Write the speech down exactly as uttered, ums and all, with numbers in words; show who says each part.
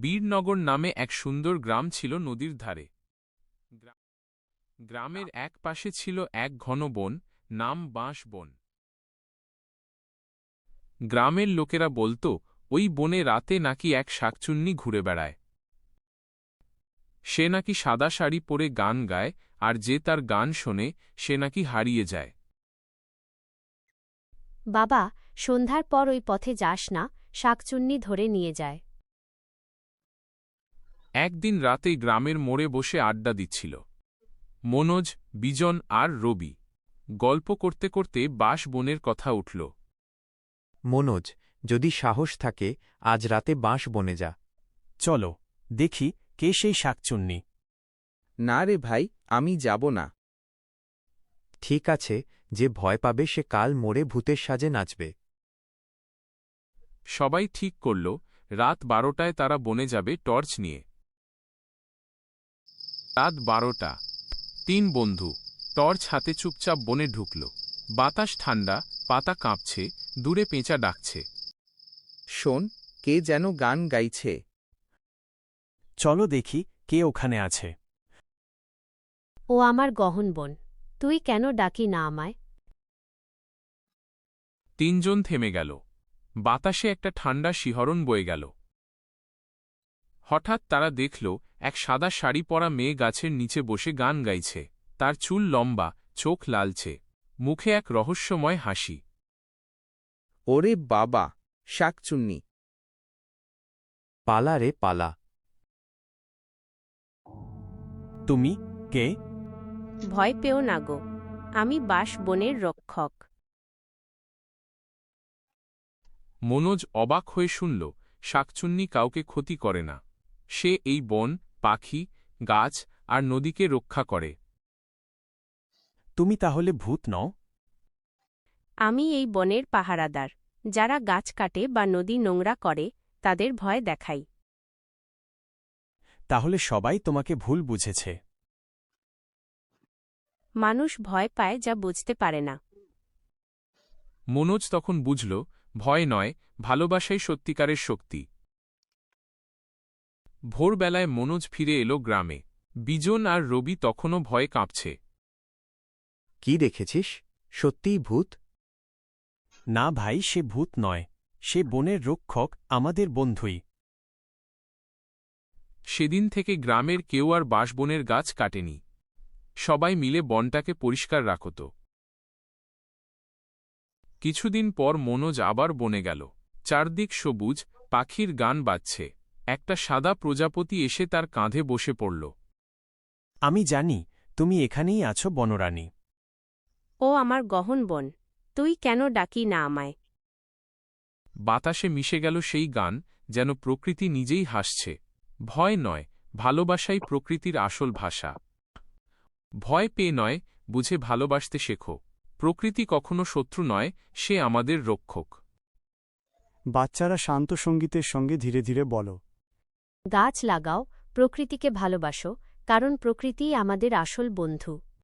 Speaker 1: বীরনগর নামে এক সুন্দর গ্রাম ছিল নদীর ধারে। গ্রামের এক পাশে ছিল এক ঘন বন, নাম বাঁশ বন। গ্রামের লোকেরা বলত, ওই বনে রাতে নাকি এক শাকচুন্নি ঘুরে বেড়ায়। সে নাকি সাদা শাড়ি পরে গান গায়, আর যে তার গান শোনে সে নাকি হারিয়ে যায়।
Speaker 2: বাবা, সন্ধ্যার পর ওই পথে যাস না, শাকচুন্নি ধরে নিয়ে যায়।
Speaker 1: একদিন রাতে গ্রামের মোড়ে বসে আড্ডা দিচ্ছিল মনোজ, বিজন আর রবি। গল্প করতে করতে বাঁশ বনের কথা উঠল।
Speaker 3: মনোজ, যদি সাহস থাকে আজ রাতে বাঁশ বনে যা।
Speaker 4: চলো, দেখি কে সেই শাকচুন্নি।
Speaker 5: না রে ভাই, আমি যাব না।
Speaker 3: ঠিক আছে, যে ভয় পাবে সে কাল মোড়ে ভূতের সাজে নাচবে।
Speaker 1: সবাই ঠিক করল, রাত বারোটায় তারা বনে যাবে টর্চ নিয়ে। রাত বারোটা। তিন বন্ধু টর্চ হাতে চুপচাপ বনে ঢুকল। বাতাস ঠান্ডা, পাতা কাঁপছে, দূরে পেঁচা ডাকছে।
Speaker 5: শোন, কে যেন গান গাইছে।
Speaker 4: চলো দেখি কে ওখানে আছে।
Speaker 2: ও আমার গহন বোন, তুই কেন ডাকি না আমায়?
Speaker 1: তিনজন থেমে গেল। বাতাসে একটা ঠান্ডা শিহরণ বয়ে গেল। হঠাৎ তারা দেখল এক সাদা শাড়ি পরা মেয়ে গাছের নিচে বসে গান গাইছে। তার চুল লম্বা, চোখ লালচে, মুখে এক রহস্যময় হাসি।
Speaker 5: ওরে বাবা, শাকচুন্নি!
Speaker 3: পালা রে পালা।
Speaker 4: তুমি কে?
Speaker 2: ভয় পেও না গো, আমি বাঁশ বনের রক্ষক।
Speaker 1: মনোজ অবাক হয়ে শুনল, শাকচুন্নি কাউকে ক্ষতি করে না। সে এই বন, পাখি, গাছ আর নদীকে রক্ষা করে।
Speaker 4: তুমি তাহলে ভূত নও?
Speaker 2: আমি এই বনের পাহারাদার। যারা গাছ কাটে বা নদী নোংরা করে তাদের ভয় দেখাই।
Speaker 4: তাহলে সবাই তোমাকে ভুল বুঝেছে।
Speaker 2: মানুষ ভয় পায় যা বুঝতে পারে না।
Speaker 1: মনোজ তখন বুঝল, ভয় নয়, ভালোবাসাই সত্যিকারের শক্তি। ভোরবেলায় মনোজ ফিরে এলো গ্রামে। বিজন আর রবি তখনও ভয়ে কাঁপছে।
Speaker 3: কি দেখেছিস? সত্যিই ভূত?
Speaker 4: না ভাই, সে ভূত নয়, সে বনের রক্ষক, আমাদের বন্ধুই।
Speaker 1: সেদিন থেকে গ্রামের কেউ আর বাঁশবনের গাছ কাটেনি। সবাই মিলে বনটাকে পরিষ্কার রাখত। কিছুদিন পর মনোজ আবার বনে গেল। চারদিক সবুজ, পাখির গান বাজছে। একটা সাদা প্রজাপতি এসে তার কাঁধে বসে পড়ল।
Speaker 4: আমি জানি তুমি এখানেই আছো বনরানী।
Speaker 2: ও আমার গহন বোন, তুই কেন ডাকি না আমায়?
Speaker 1: বাতাসে মিশে গেল সেই গান, যেন প্রকৃতি নিজেই হাসছে। ভয় নয়, ভালোবাসাই প্রকৃতির আসল ভাষা। ভয় পেয়ে নয়, বুঝে ভালোবাসতে শেখো। প্রকৃতি কখনো শত্রু নয়, সে আমাদের রক্ষক।
Speaker 6: বাচ্চারা শান্ত সঙ্গীতের সঙ্গে ধীরে ধীরে বলো,
Speaker 2: গাছ লাগাও, প্রকৃতিকে ভালোবাসো, কারণ প্রকৃতিই আমাদের আসল বন্ধু।